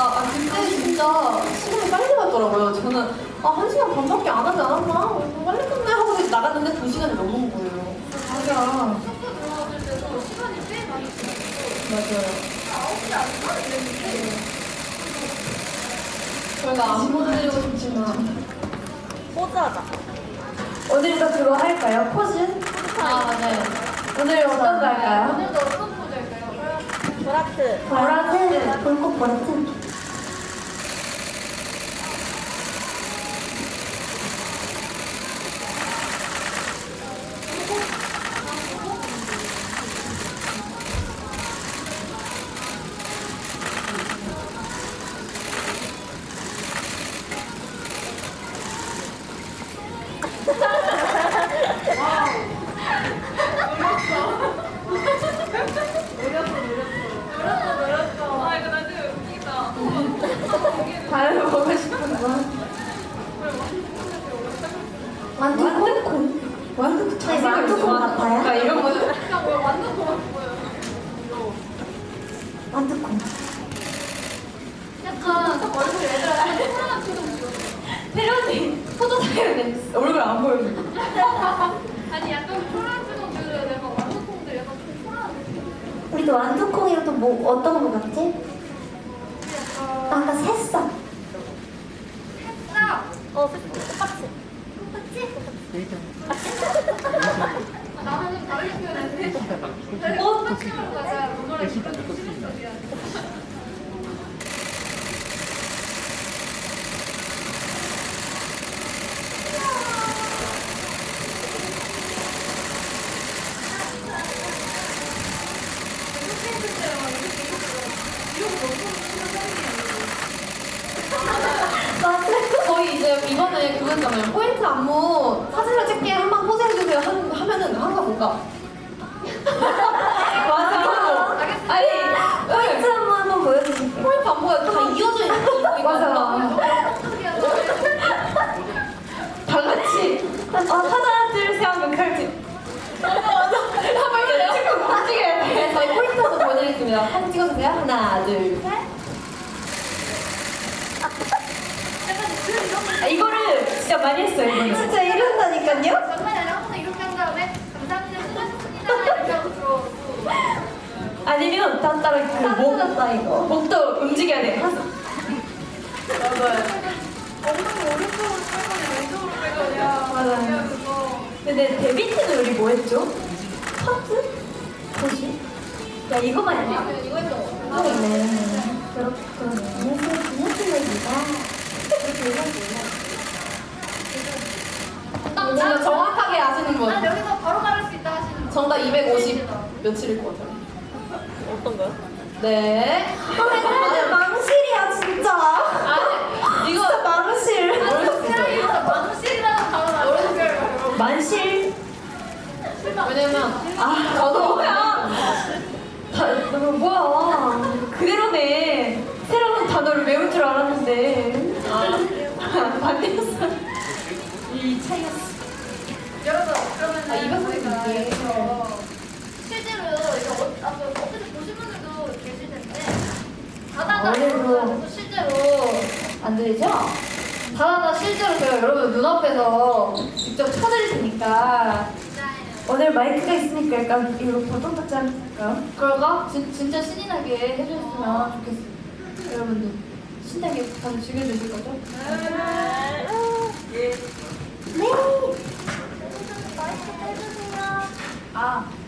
그때 진짜 시간이 빨리 갔더라고요. 저는 1시간 반밖에 안 하지 않았나? 빨리 끝내 하고 나갔는데 2시간이 넘은 거예요. 맞아. 숙소 들어갔을 때도 시간이 꽤 많이 지났어. 맞아요. 9시 아닌가? 이랬는데. 저희가 안 보여드리고 싶지만 포즈하자. 오늘도 그거 할까요? 포즈? 맞아요. 오늘 어떤 거 할까요? 오늘도 어떤 포즈 할까요? 보라트. 보라트, 볼꽃 보라트. 아, 이거 나중에 웃기다. 다른 거 보고 싶은 거? 완두콩? 완두콩 네, 완두콩 같아요? 이런 거 그러니까 뭐 완전 고맙고요. 완두콩. 약간 얼굴 애들한테 코로나 표정 지었어. 태연이 포토 타야겠네. 얼굴 안 보여줘. 아니 약간 코로나 표정 지어야 돼. 막 완두콩들 약간 좀 코로나 느낌. 우리도 완두콩이랑 또 뭐 어떤 거 같지? 아까 새싹. 딱! 똑같이. 나는 다르게 표현했는데. 꽃으로 가자. 노래 부르는 소리야. 저희 이제 이번에 그거잖아요. 포인트 안무 사진을 찍게 한번 포즈해주세요 하면은 항상 뭔가 맞아. 아니 포인트 한번 보여주실게요. 포인트 안무가 다 이어져 있는 거 맞아. 다 같이 하나 둘셋 하면 칼지. 한번 찍고 움직여야 돼. 저희 포인트 한번 보여드리겠습니다. 사진 찍어주세요. 하나 둘 셋. 이거를 진짜 많이 했어요. 이거는. 진짜 이런다니까요? 장난이 아니라 항상 이렇게 한 다음에 감사합니다 수고하셨습니다 이렇게 하고 들어오고 아니면 따라 다 이거. 목도 움직여야 돼. 엉덩이 오른쪽으로 빼거니 왼쪽으로 빼거냐 맞아요. 그거 근데 데뷔트는 우리 뭐 했죠? 파트? 뭐지? 야 이거만 했네. 아니면 이거 했던 거 네. 그렇군요. 기념일이다. 진짜 정확하게 아시는 분. 난 여기서 바로 말할 수 있다 하시는 분 정답 250 며칠일 것 같아요. 어떤 거요? 네. 맨날 망실이야 진짜. 아니 이거 진짜 망실. 세상에서 만실이라는 단어 나오는 만실. 왜냐면 저도 뭐야? 그대로네. 새로운 단어를 외울 줄 알았는데. 반대였어. 이 차이였어. 여러분 그러면은 이거 저희가 이게. 여기서 실제로 이거 어떻게 보신 분들도 계실 텐데 다다다 오늘도. 여러분 실제로 안 들리죠? 다다다 실제로 제가 여러분 눈앞에서 직접 쳐드릴 테니까 오늘 마이크가 있으니까 약간 이거 보통 같지 않을까요? 그럴까? 진짜 신나게 해주셨으면 좋겠어요. 여러분들 신나게 다들 즐겨주실 거죠? 네. 마이크 해주세요. 아